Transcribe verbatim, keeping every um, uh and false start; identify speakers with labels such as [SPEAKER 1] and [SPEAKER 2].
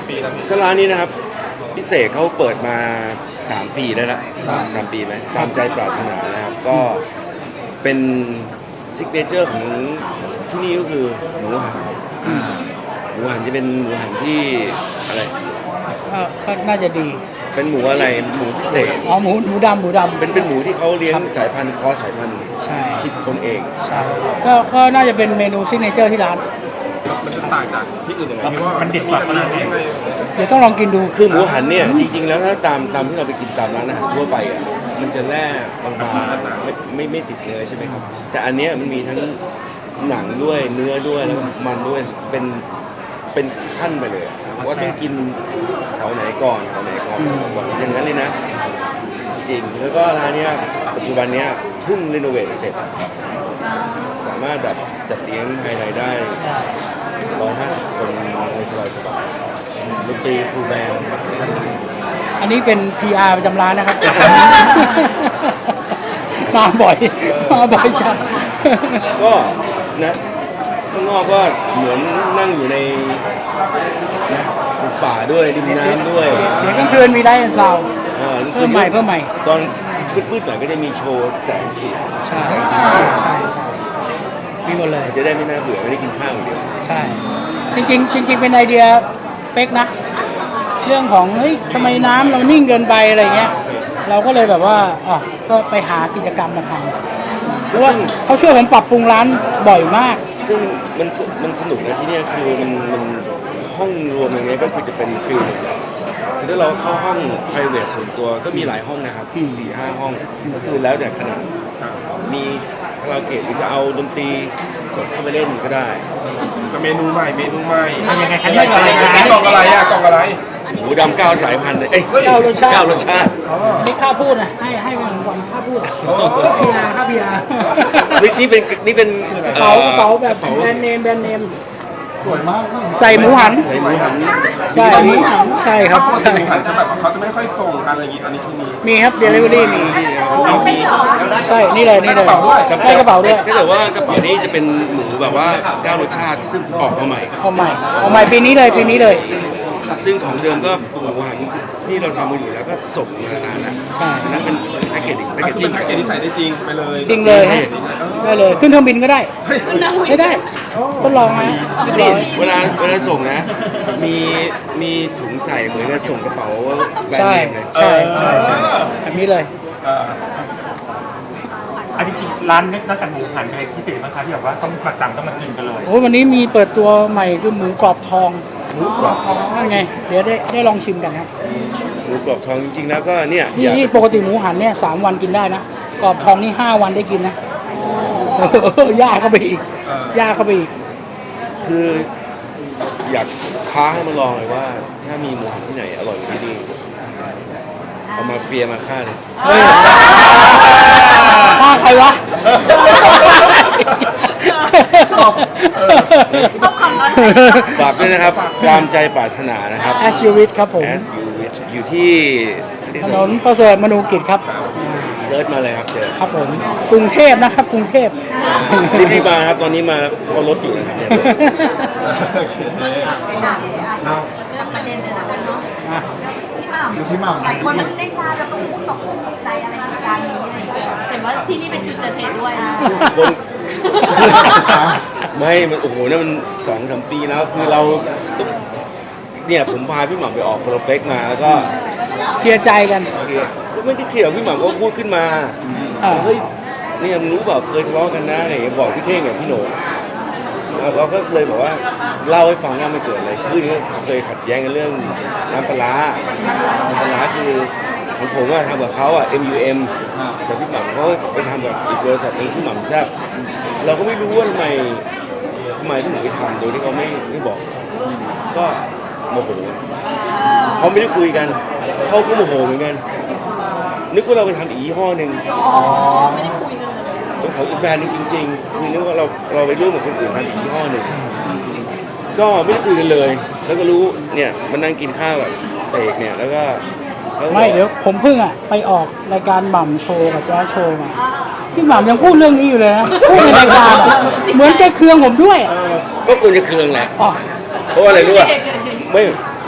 [SPEAKER 1] ปีแล้วพี่
[SPEAKER 2] ก็ร้านนี้นะครับพิเศษเขาเปิดมาสามปีได้ละสามปีไหมตามใจปรารถนานะครับก็เป็นซิกเนเจอร์ของที่นี่ก็คือหมูหันหมูหันจะเป็นหมูหันที่อะไร
[SPEAKER 3] ก็ก็น่าจะดี
[SPEAKER 2] เป็นหมูอะไรหมูพิเศษ
[SPEAKER 3] อ๋อหมูหมูดำหมูดำ
[SPEAKER 2] เป็นเป็นหมูที่เขาเลี้ยงสายพันธุ์คอสายพันธุ์
[SPEAKER 3] ใช่
[SPEAKER 2] คิดคนเอง
[SPEAKER 3] ใช่ก็ก็น่าจะเป็นเมนูซิกเนเจอร์ที่ร้าน
[SPEAKER 1] มันจะต่างจากที่อื่นยังไงพี่ว่า
[SPEAKER 4] มันเด็ดกว่าขนาดนี้
[SPEAKER 3] เดี๋ยวต้องลองกินดู
[SPEAKER 2] คือหมูหันเนี่ยจริงๆแล้วถ้าตามตามที่เราไปกินตามร้านอาหารทั่วไปอ่ะมันจะแร่บางๆไม่ไม่ไม่ติดเนื้อใช่ไหมครับแต่อันเนี้ยมันมีทั้งหนังด้วยเนื้อด้วยแล้วมันด้วยเป็นเป็นขั้นไปเลยว่าต้องกินแถวไหนก่อนแถวไหนก่อนบอกอย่างนั้นเลยนะจริงแล้วก็ร้านเนี้ยปัจจุบันเนี้ยเพิ่งรีโนเวทเสร็จสามารถแบบจัดเลี้ยงภายในได้ร้อยห้าสิบคนในสบายสบายดนตรีฟูลแบนด์
[SPEAKER 3] อันนี้เป็น พี อาร์ ประจำร้านนะครับมาบ่อยมาบ่อยจัด
[SPEAKER 2] ก็นะข้างนอกก็เหมือนนั่งอยู่ในนะป่าด้วยริมน้ำด้วย
[SPEAKER 3] เดี๋ยวกลางคืนมีไลท์ซาวด์เพิ่มใหม่เพิ่มใหม่
[SPEAKER 2] ตอนมืดๆหน่อยก็จะมีโชว์แสงสี
[SPEAKER 3] ใช่
[SPEAKER 2] แสงสี
[SPEAKER 3] ใช่ใช่ใช่มีหมดเลย
[SPEAKER 2] จะได้ไม่น่าเบื่อไม่ได้กินข้าวอย่างเดียว
[SPEAKER 3] ใช่จริงๆจริงๆเป็นไอเดียเป๊กนะเรื่องของเฮ้ยทำไมน้ำเรานิ่งเกินไปอะไรเงี้ยเราก็เลยแบบว่าอ๋อก็ไปหากิจกรรมมาทำเพราะว่าเขาช่วยผมปรับปรุงร้านบ่อยมาก
[SPEAKER 2] ซึ่งมันมันสนุกนะที่นี่คือมันมันห้องรวมอย่างเงี้ยก็คือจะเป็นฟิลคือถ้าเราเข้าห้อง private ส่วนตัวก็มีหลายห้องนะครับสี่ห้าห้องก็คือแล้วแต่ขนาดมีคาราโอเกะหรือจะเอาดนตรีสดเข้าไปเล่นก็ได้
[SPEAKER 1] ก็เมนูใหม่เมนูใหม่
[SPEAKER 4] ยังไงคะ
[SPEAKER 1] ใส่กล่องอะไรอ่ะกล่องอะไร
[SPEAKER 2] หมูดำเก้าสายพันธุ์เอ้ย
[SPEAKER 3] เก้ารสชาติ
[SPEAKER 2] เก้ารสชาติ
[SPEAKER 3] นี่ข้าพูดนะให้ให้วันวันข้าพูดพีอาร์ข้าพีอาร์
[SPEAKER 2] นี่เป็นนี่เป็น
[SPEAKER 3] กระเป๋ากระเป๋าแบบแบรนด์เนมแบรนด์เนมสวยมากใส่หมูหัน
[SPEAKER 2] ใส่หมูหัน
[SPEAKER 3] ใช่ใช่ครับ
[SPEAKER 1] ใช่หมูหันจะแบบเขาจะไม่ค่อยส่งกันอะไรอย่างงี้อันนี้คือมี
[SPEAKER 3] มีครับเดลิเวอรี่มีใช่นี่เลยนี่เลยได้กระเป๋าด้วย
[SPEAKER 2] ถ้าเกิดว่ากระเป๋านี้จะเป็นหมูแบบว่าเก้ารสชาติซึ่งออกมาใหม่
[SPEAKER 3] ออกใหม่ออกใหม่ปีนี้เลยปีนี้เลย
[SPEAKER 2] ซึ่งของเดิมก็หมูหันที่เราทำมาอยู่แล้วก็ส่งมานานแล้ว
[SPEAKER 3] ใช่
[SPEAKER 2] นั่นเป็นแพ็กเกจแพ็กเกจ
[SPEAKER 1] เป็นแพ็กเกจที่ใส่ได้จริงไปเลย
[SPEAKER 3] จริงเลยฮะได้เลยขึ้นเครื่องบินก็ได้ใช้ได้ทดลองไหม
[SPEAKER 2] นี่เวลาเวลาส่งนะมีมีถุงใส่เหมือนกับส่งกระเป๋าแบรนด์เนมเลย
[SPEAKER 3] ใช่ใช่ใช่แบบนี้เลย
[SPEAKER 4] อันจริงๆร้านนี้นอกจากหมูหันอะไรพิเศษบ้างคะที่แบบว่าต้องมาสั่งต้องมากินกันเลย
[SPEAKER 3] โอ้วันนี้มีเปิดตัวใหม่คือหมูกรอบทอง
[SPEAKER 1] หมูกรอบทอง
[SPEAKER 3] นั่นไงเดี๋ยวได้ได้ลองชิมกันครับ
[SPEAKER 2] หมูกรอบทองจริงๆแล้วก็เนี่ย
[SPEAKER 3] นี่นี่ปกติหมูหันเนี่ยสามวันกินได้นะกรอบทองนี่ห้าวันได้กินนะยากเข้าไปอีกยากเข้าไปอีก
[SPEAKER 2] คืออยากท้าให้มาลองเลยว่าถ้ามีหมูหันที่ไหนอร่อยที่นี่เอามาเฟียมาฆ่าเลย
[SPEAKER 3] ฆ่าใครวะ
[SPEAKER 2] ฝากด้วยนะครับตามใจปรารถนานะครับ
[SPEAKER 3] As You Wish ครับผม
[SPEAKER 2] As You Wish อยู่ที่
[SPEAKER 3] ถนนประเสริฐมนูกิจครับ
[SPEAKER 2] เซิร์ชมาเลยครับเจอ
[SPEAKER 3] ครับผมกรุงเทพนะครับกรุงเทพ
[SPEAKER 2] รีบมาครับตอนนี้มาเขารถอยู่นะครับเนี่ย
[SPEAKER 5] ประเด็นเลยนะคะเนาะพี่หม่ำหลายคนไม่ได้ทราบแล้วก็พูดตกตกใจอะไรในการนี้อะไรอย่างเงี้ยเห็นว่าที่นี่เป็นจุดเกิดเหตุด้วยนะ
[SPEAKER 2] ไม่มันโอ้โหนั่นมันสองสามปีแล้วคือเราต้องเนี่ยผมพาพี่หม่ำไปออกโปรเจกต์มาแล้วก็
[SPEAKER 3] เคลียร์ใจกัน
[SPEAKER 2] ไม่ได้เคลียร์พี่หม่ำก็พูดขึ้นมาเฮ้ยเนี่ยมึงรู้เปล่าเคยทะเลาะกันนะอะไรอย่างเงี้ยบอกพี่เท่งกับพี่โหน่เราก็เลยบอกว่าเล่าให้ฟังว่ามันเกิดอะไรขึ้นเคยขัดแย้งกันเรื่องน้ำปลาน้ำปลาคือของผมว่าทำกับเขาอ่ะ เอ็ม ยู เอ็ม แต่พี่หม่ำเขาไปทำกับอีกบริษัทหนึ่งที่หม่ำแซ่บเราก็ไม่รู้ว่าทำไมทำไมพี่หม่ำไปทำโดยที่เขาไม่ไม่บอกก็โมโหเขาไม่ได้คุยกันเขาก็โมโหเหมือนกันนึกว่าเราไปทำอีกยี่ห้อหนึ่ง
[SPEAKER 5] ไม่ได้คุยกันเลย
[SPEAKER 2] ต้องขออีกแบรนด์นึงจริงๆคือนึกว่าเราเราไปร่วมกับคนอื่นทำอีกยี่ห้อหนึ่งก็ไม่ได้คุยกันเลยแล้วก็รู้เนี่ยมันนั่งกินข้าวแบบเสกเนี่ยแล้วก็
[SPEAKER 3] ไม่เดี๋ยวผมเพิ่งอ่ะไปออกรายการหม่ำโชว์กับแจ๊สโชว์มาพี่หม่ำยังพูดเรื่องนี้อยู่เลยนะพูดในรายการเหมือนแกเคืองผมด้วย
[SPEAKER 2] ก็ควรจะเคืองแหละเพราะอะไรรู้ป่ะไม่